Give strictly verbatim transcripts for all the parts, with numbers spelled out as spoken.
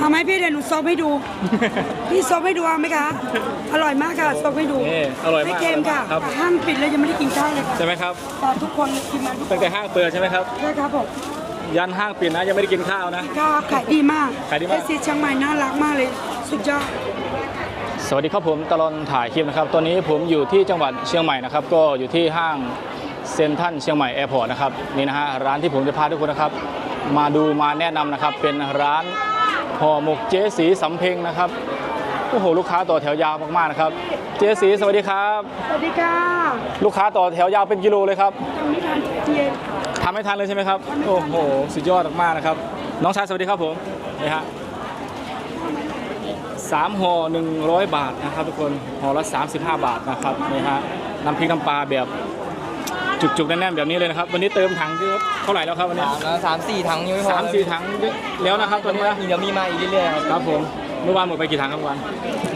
เอาไหมพี่เดี๋ยวหนูซบให้ดู พี่ซบให้ดูเอาไหมคะอร่อยมากค่ะซบให้ดูนี่อร่อยมากไม่เค็มค่ะครับห้างปิดเลยยังไม่ได้กินข้าวเลยค่ะใช่ไหมครับแต่ทุกคนกินมาทุกคตั้นงแต่ห้างเปิดใช่ไหมครับใช่ครับผมยันห้างปิดนะยังไม่ได้กินข้าวนะก็ขายดีมากขายดีมากเอซีเชียงใหม่น่ารักมากเลยสุดยอดสวัสดีครับผมตลอดถ่ายคลิปนะครับตอนนี้ผมอยู่ที่จังหวัดเชียงใหม่นะครับก็อยู่ที่ห้างเซ็นทรัลเชียงใหม่แอร์พอร์ตนะครับนี่นะฮะร้านที่ผมจะพาทุกคนนะครับมาดูมาแนะนำนะครับเป็นร้านห่อหมกเจ๊สีสำเพ็งนะครับโอ้โหลูกค้าต่อแถวยาวมากๆนะครับเจ๊สีสวัสดีครับสวัสดีค่ะลูกค้าต่อแถวยาวเป็นกิโลเลยครับยังไม่ทานเทียนทำไม่ทันเลยใช่ไหมครับโอ้โหสุดยอดมากๆนะครับน้องชายสวัสดีครับผมนี่ฮะสามห่อหนึ่งร้อยบาทนะครับทุกคนห่อละสามสิบห้าบาทนะครับนี่ฮะน้ำพริกน้ำปลาแบบจุกๆแน่นๆแบบนี้เลยนะครับวันนี้เติมถังที่เท่าไหร่แล้วครับวันนี้สามแล้วสามสี่ถังยังไม่พอสามสี่ถังแล้วนะครับตอนนี้นะเดี๋ยวมีมาอีกเรื่อยๆครับครับผมเมื่อวานหมดไปกี่ถังครับเมื่อวาน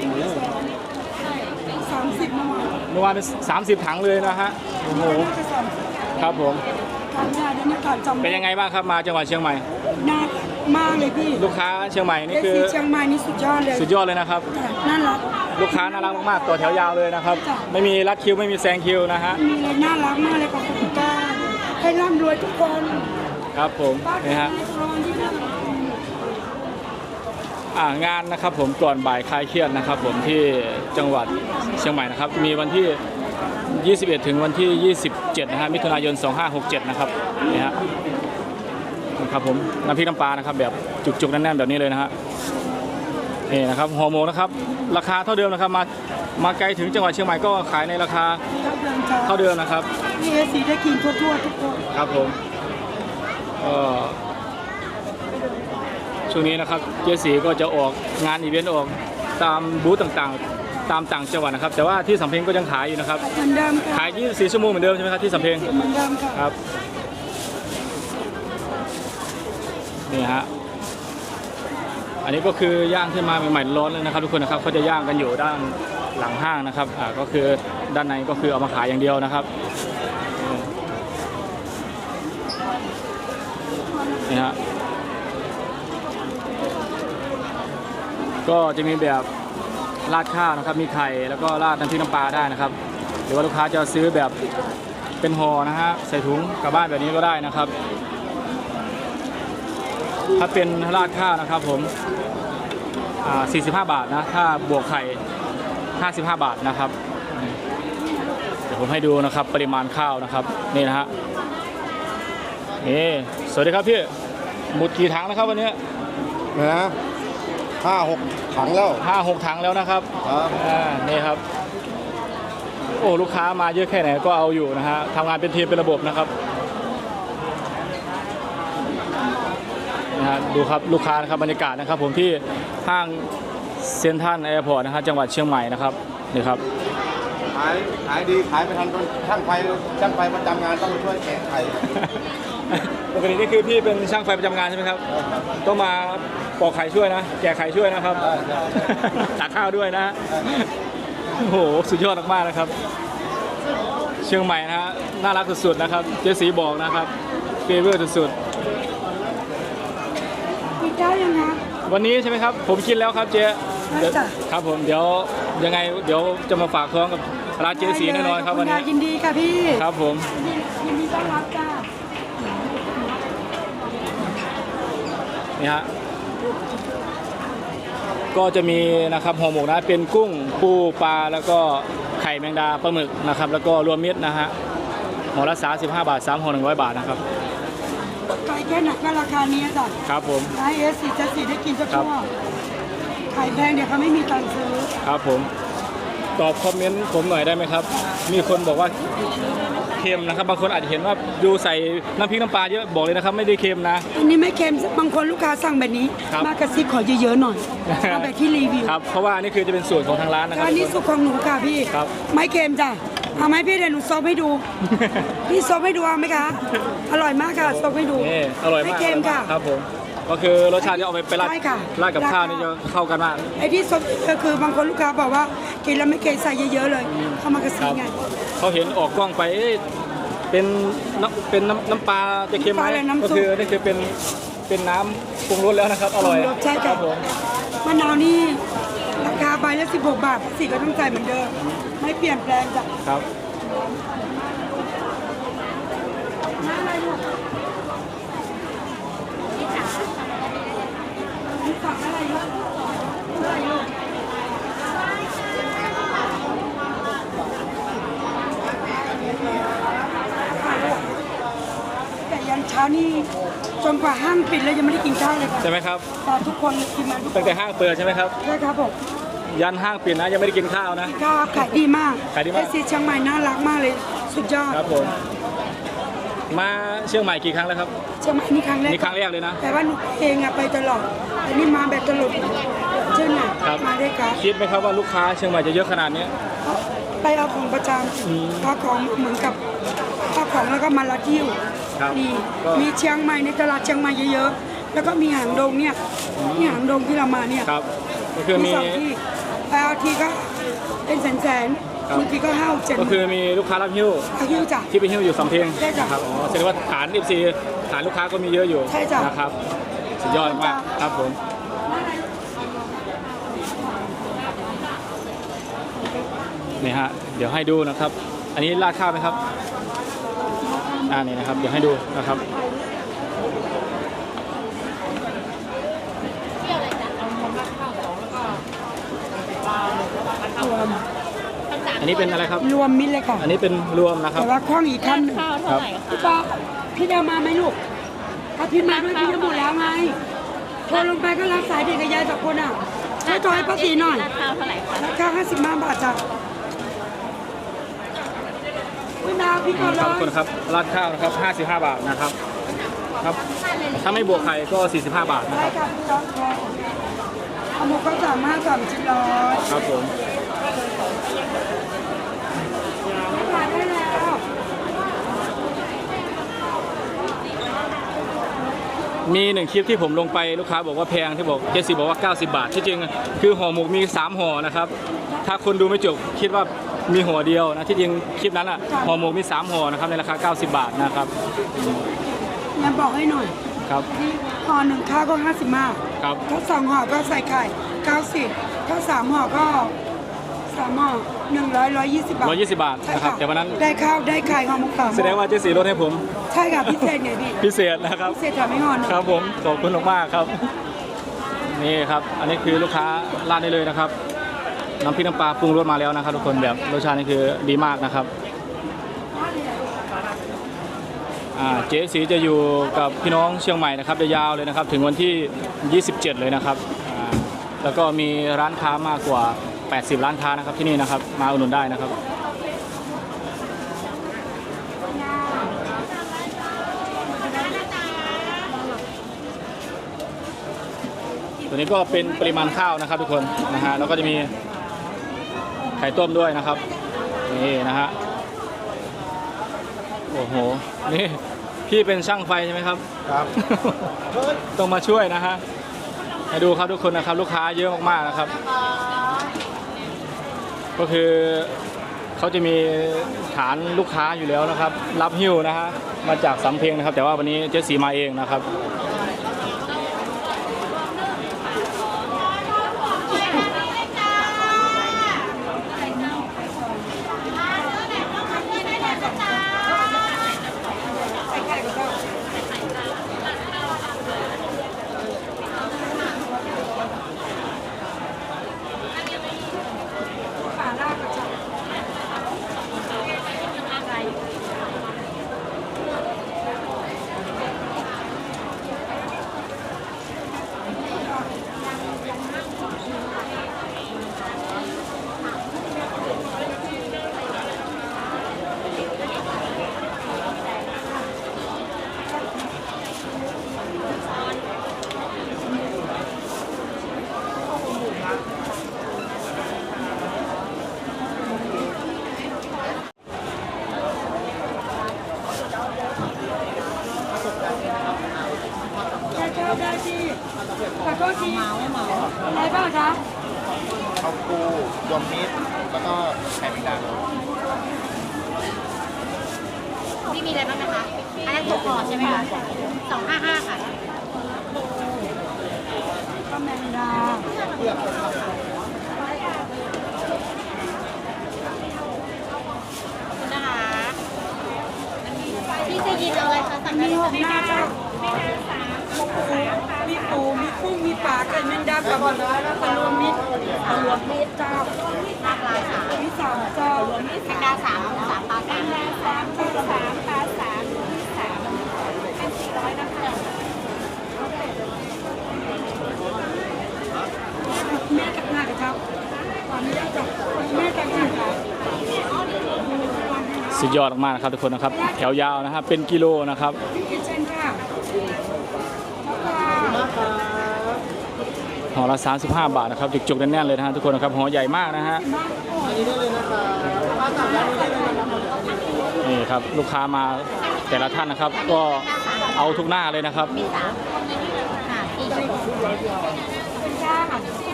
สามสิบเมื่อวานเมื่อวานเป็นสามสิบถังเลยนะฮะโอ้โหน่าจะสามสิบครับผมการงานด้วยนะการจำเป็นยังไงบ้างครับมาจังหวัดเชียงใหม่น่ารักมากเลยพี่ลูกค้าเชียงใหม่นี่เอคือซีเชียงใหม่นี่สุดยอดเลยสุดยอดเลยนะครับน่ารักลูกค้าน่ารักมากๆต่อแถวยาวเลยนะครับจ้ะไม่มีรัดคิวไม่มีแซงคิวนะฮะมีเลยน่ารักมากเลยขอบคุณค่ะให้ร่ำรวยทุกคนครับผมนี่ฮะรองที่น่ารักอ่างานนะครับผมก่อนบ่ายคลายเครียดนะครับผมที่จังหวัดเชียงใหม่นะครับมีวันที่ ยี่สิบเอ็ด ถึงวันที่ ยี่สิบเจ็ด นะฮะมิถุนายน สองห้าหกเจ็ด นะครับนี่ฮะนะครับผมน้ำพริกน้ำปลานะครับแบบจุกๆแน่นๆแบบนี้เลยนะฮะนี่นะครับห่อหมกนะครับราคาเท่าเดิมนะครับมามาไกลถึงจังหวัดเชียงใหม่ก็ขายในราคาเท่าเดิมจ้าเท่าเดิมนะครับมีเอซีได้กินทั่วๆทุกคนครับผมก็ช่วงนี้นะครับเจสีก็จะออกงานอีเวนต์ออกตามบูธต่างๆ ตามต่างจังหวัดนะครับ แต่ว่าที่สำเพ็งก็ยังขายอยู่นะครับเหมือนเดิมค่ะขาย ยี่สิบสี่ ชั่วโมงเหมือนเดิมใช่ไหมครับที่สำเพ็งเหมือนเดิมค่ะครับนี่ฮะอันนี้ก็คือย่างขึ้นมาใหม่ๆร้อนเลยนะครับทุกคนนะครับเขาจะย่างกันอยู่ด้านหลังห้างนะครับอ่าก็คือด้านในก็คือเอามาขายอย่างเดียวนะครับนี่ฮะก็จะมีแบบราดข้าวนะครับมีไข่แล้วก็ราดน้ำพริกน้ำปลาได้นะครับหรือว่าลูกค้าจะซื้อแบบเป็นห่อนะฮะใส่ถุงกลับบ้านแบบนี้ก็ได้นะครับ ถ้าเป็นราดข้าวนะครับผมอ่าสี่สิบห้าบาทนะถ้าบวกไข่ห้าสิบห้าบาทนะครับเดี๋ยวผมให้ดูนะครับปริมาณข้าวนะครับนี่นะฮะนี่สวัสดีครับพี่หมดกี่ถังนะครับวันนี้นะห้าหกถังแล้วห้าหกถังแล้วนะครับครับอ่านี่ครับโอ้ลูกค้ามาเยอะแค่ไหนก็เอาอยู่นะฮะทำงานเป็นทีมเป็นระบบนะครับนะฮะดูครับลูกค้านะครับบรรยากาศนะครับผมที่ห้างเซ็นทรัลแอร์พอร์ตนะครับจังหวัดเชียงใหม่นะครับนี่ครับขายขายดีขายไม่ทันก็ช่างไฟช่างไฟประจำงานต้องมาช่วยแกะไข่ปกตินี่คือพี่เป็นช่างไฟประจำงานใช่ไหมครับต้องมาปอกไข่ช่วยนะแกะไข่ช่วยนะครับตักข้าวด้วยนะโอ้โหสุดยอดมากๆนะครับเชียงใหม่นะฮะน่ารักสุดๆนะครับเจสีบอกนะครับเฟเวอร์สุดมีเจ้ายังนะๆวันนี้ใช่ไหมครับผมกินแล้วครับเจ๊เดี๋ยวจ้ะครับผมเดี๋ยวยังไงเดี๋ยวจะมาฝากท้องกับร้านเจสีแน่นอนครับวันนี้ยินดีค่ะพี่ครับผมยินดีต้อนรับจ้านี่ฮะก็จะมีนะครับห่อหมกนะเป็นกุ้งปูปลาแล้วก็ไข่แมงดาปลาหมึกนะครับแล้วก็รวมมิตรนะฮะห่อละสามสิบห้าบาทสามห่อหนึ่งร้อยบาทนะครับไก่แค่ไหนก็ราคานี้จ้ะครับผมไอเอสซีจะสีได้กินครัทั่บวไข่แพงเดี๋ยวเขาไม่มีตังค์ซื้อครับผมตอบคอมเมนต์ผมหน่อยได้ไหมครับมีคนบอกว่าเค็มนะครับบางคนอาจจะเห็นว่าดูใส่น้ำพริกน้ำปลาเยอะบอกเลยนะครับไม่ได้เค็มนะอันนี้ไม่เค็มบางคนลูกค้าสั่งแบบนี้ครับมากระซิบขอเยอะๆหน่อยเอาแบบที่รีวิวครับเพราะว่านี่คือจะเป็นสูตรของทางร้านนะครับอันนี้สุกของหนูค่ะพี่ครับไม่เค็มจ้ะเอาไหมพี่เดี๋ยวหนูซบให้ดู พี่ซบให้ดูเอาไหมคะอร่อยมากค่ะซบให้ดูนี่อร่อยมากไม่เค็มค่ะครับผมก็คือรสชาติจะเอาไปไปราดใช่ค่ะราดกับราดข้าวนี่จะเข้ากันมากไอ้ที่ซบก็คือบางคนลูกค้าบอกว่ากินแล้วไม่เค็มใส่เยอะๆเลยเข้ามากระซิครับ บไงเขาเห็นออกกล้องไปเอ๊ะเป็นน้ำเป็นน้ำน้ำปลาจะเค็มไหมน้ำปลาอะไรน้ำซุปก็คือนี่คือเป็นเป็นน้ำปรุงรสแล้วนะครับ อร่อยปรุงรสใช่ค่ะรับผมมะนาวนี่ราคาใบละสิบหกบาทสีก็ต้องจ่ายเหมือนเดิมไม่เปลี่ยนแปลงจ้ะครับนี่สั่งอะไรลูกอะไรลูกแต่ยันเช้านี่จนกว่าห้างปิดแล้วยังไม่ได้กินข้าวเลยค่ะใช่ไหมครับแต่ทุกคนกินมาทุกตั้งแต่ห้างเปิดใช่ไหมครับใช่ครับผมยันห้างปิดนะยังไม่ได้กินข้าวนะข้าวขายดีมากขายดีมากเอซีเชียงใหม่น่ารักมากเลย สุดยอดครับผมมาเชียงใหม่กี่ครั้งแล้วครับเชียงใหม่นี่ครั้งแรกนี่ครั้งแรกเลยนะแต่ว่าหนูเองอะไปตลอดแต่นี่มาแบบตลอดเช่นน่ะครับมาได้ครับคิดไหมครับว่าลูกค้าเชียงใหม่จะเยอะขนาดนี้ไปเอาของประจอืมำข้าวของเหมือนกับข้าวของแล้วก็มาลัดยิ้วครับมีก็มีเชียงใหม่ในตลาดเชียงใหม่เยอะๆแล้วก็มีหางดงเนี่ยนี่หางดงที่เรามาเนี่ยครับก็คือมีสองที่ไปเอาทีก็เป็นแสนครับๆบางทีก็ห้าเจ็ดก็คือมีลูกค้ารับหิ้วเอายิ้วจ้ะที่ไปหิ้วอยู่สำเพ็งใช่จ้ะนะครับอ๋อแสดงว่าฐาน เอฟ ซี ฐานลูกค้าก็มีเยอะอยู่ใช่จ้ะนะครับสุดยอดมากครับผมนี่ฮะเดี๋ยวให้ดูนะครับ อันนี้ราดข้าวไหมครับอ่านี่นะครับเดี๋ยวให้ดูนะครับ อันนี้เป็นอะไรครับรวมมิตรเลยค่ะอันนี้เป็นรวมนะครับแต่ว่าคล้องอีกขั้นหนึ่งข้าวเท่าไหร่คะพี่ปอพี่เดามาไหมลูก ถ้าพี่มาด้วยพี่จะหมดแล้วไงโทรลงไปก็รับสายเด็กกับยายสองคนอ่ะช่วยโทรให้ป้าสีหน่อยราดข้าวเท่าไหร่คะราคาห้าสิบห้าบาทจ้ะคุณดาวพี่ก่อนเลครับทุกยคนครับราดข้าวนะครับห้าสิบห้าบาทนะครับครับ ถ้าไม่บวกไข่ก็สี่สิบห้าบาทนะได้ครับค่ะพี่น้องค่ะเอาหมูก็สามห้าสามชิ้นร้อยครับผมทานได้แล้วมีหนึ่งคลิปที่ผมลงไปลูกค้าบอกว่าแพงที่บอกเจสซี่บอกว่าเก้าสิบบาทที่จริงคือห่อหมกมีสามห่อนะครับถ้าคนดูไม่จบคิดว่ามีห่อเดียวนะที่จริงคลิปนั้นอ่ะห่อหมกมีสามห่อนะครับในราคาเก้าสิบบาทนะครับยังบอกให้หน่อยครับห่อหนึ่งข้าวก็ห้าสิบห้าครับถ้าสองห่อก็ใส่ไข่เก้าสิบถ้าสามห่อก็สามห่อหนึ่งร้อยร้อยยี่สิบบาทร้อยยี่สิบบาทใช่นะครับค่ะแต่วันนั้นได้ข้าวได้ไข่ห่อหมกสามแสดงว่าเจสซี่ลดให้ผมใช่ค่ะพิเศษไงพี่พิเศษนะครับพิเศษแถมไม่ห่อหนึ่งครับผมขอบคุณมากๆครับนี่ครับอันนี้คือลูกค้าราดได้เลยนะครับน้ำพริกน้ำปลาปรุงรสมาแล้วนะครับทุกคนแบบรสชาตินี่คือดีมากนะครับอ่าเจ๊สีจะอยู่กับพี่น้องเชียงใหม่นะครับยาวๆเลยนะครับถึงวันที่ยี่สิบเจ็ดเลยนะครับอ่าแล้วก็มีร้านค้ามากกว่าแปดสิบร้านค้านะครับที่นี่นะครับมาอุดหนุนได้นะครับตัวนี้ก็เป็นปริมาณข้าวนะครับทุกคนนะฮะแล้วก็จะมีไข่ต้มด้วยนะครับนี่นะฮะโอ้โหนี่พี่เป็นช่างไฟใช่ไหมครับครับต้องมาช่วยนะฮะให้ดูครับทุกคนนะครับลูกค้าเยอะมากๆนะครับ ก็คือเขาจะมีฐานลูกค้าอยู่แล้วนะครับ รับหิ้วนะฮะมาจากสำเพ็งนะครับ แต่ว่าวันนี้เจ๊สีมาเองนะครับข้าวปูรวมมิตรแล้วก็ไข่แมงดาพี่มีอะไรบ้างนะคะ อันนั้นหกห่อใช่ไหมคะสองห้าห้าค่ะนะคะพี่จะยินเอาอะไรคะสั่งได้มีเลยหค่ะกหน้าเจ้ามีปูมีกุ้งมีปลาไก่แมงดากับปลารวมมิตรปลารวมมิตรเจ้าปลาปลาสามมีสามเจ้ารวมมิตรแมงดาสามสามปลาสามสามปลาสามปลาสามมีสามเป็นสี่ร้อยนะคะแม่ตักหน้ากับเจ้าตอนนี้ได้จับแม่ตักหน้าค่ะสุดยอดมากๆนะครับทุกคนนะครับแถวยาวนะครับเป็นกิโลนะครับพี่กินเช่นค่ะห่อละสามสิบห้าบาทนะครับจุกๆแน่นๆเลยนะฮะทุกคนนะครับห่อใหญ่มากนะฮะนี่ครับลูกค้ามาแต่ละท่านนะครับ ก็เอาทุกหน้าเลยนะครับมีสามค่ะพี่เป็นจ้าค่ะ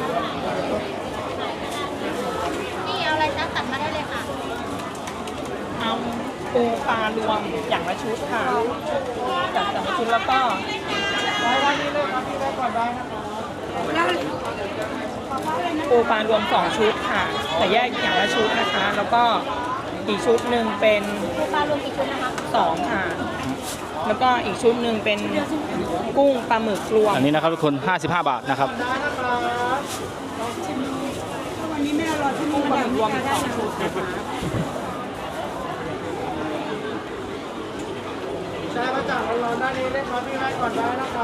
นี่เอาอะไรนะตัดมาได้เลยค่ะเอาปูปลารวมอย่างละชุดค่ะจัดสองชุดแล้วก็แล้วปูปลารวมสองชุดค่ะ แต่แยกอย่างละชุดนะคะ แล้วก็อีกชุดหนึ่งเป็นปูปลารวมกี่ชุดนะคะสองค่ะ แล้วก็อีกชุดหนึ่งเป็นกุ้งปลาหมึกรวมอันนี้นะครับทุกคนห้าสิบห้าบาทนะครับวันนี้แม่รอที่นี่ปลามาหมึกรวมสองชุดนะคะใช่มาจากร้อนๆด้านนี้เลยครับพี่แม่ก่อนได้นะคะ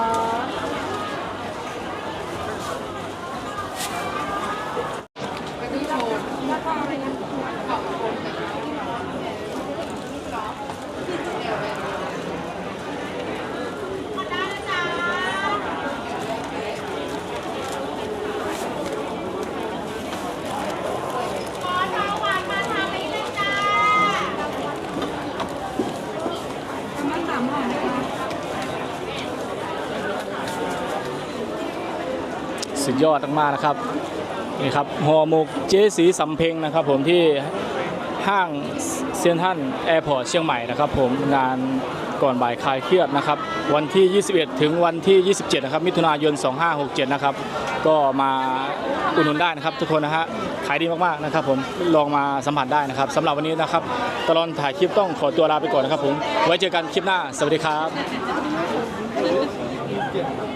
มันสามห่อนะคะสุดยอดมากๆนะครับนี่ครับห่อหมกเจ๊สีสำเพ็งนะครับผมที่ห้างเซ็นทรัลแอร์พอร์ตเชียงใหม่นะครับผมงานก่อนบ่ายคลายเครียดนะครับวันที่ยี่สิบเอ็ดถึงวันที่ยี่สิบเจ็ดนะครับมิถุนายนสองห้าหกเจ็ดนะครับก็มาอุดหนุนได้นะครับทุกคนนะฮะขายดีมากๆนะครับผมลองมาสัมผัสได้นะครับสำหรับวันนี้นะครับตลอดถ่ายคลิปต้องขอตัวลาไปก่อนนะครับผมไว้เจอกันคลิปหน้าสวัสดีครับ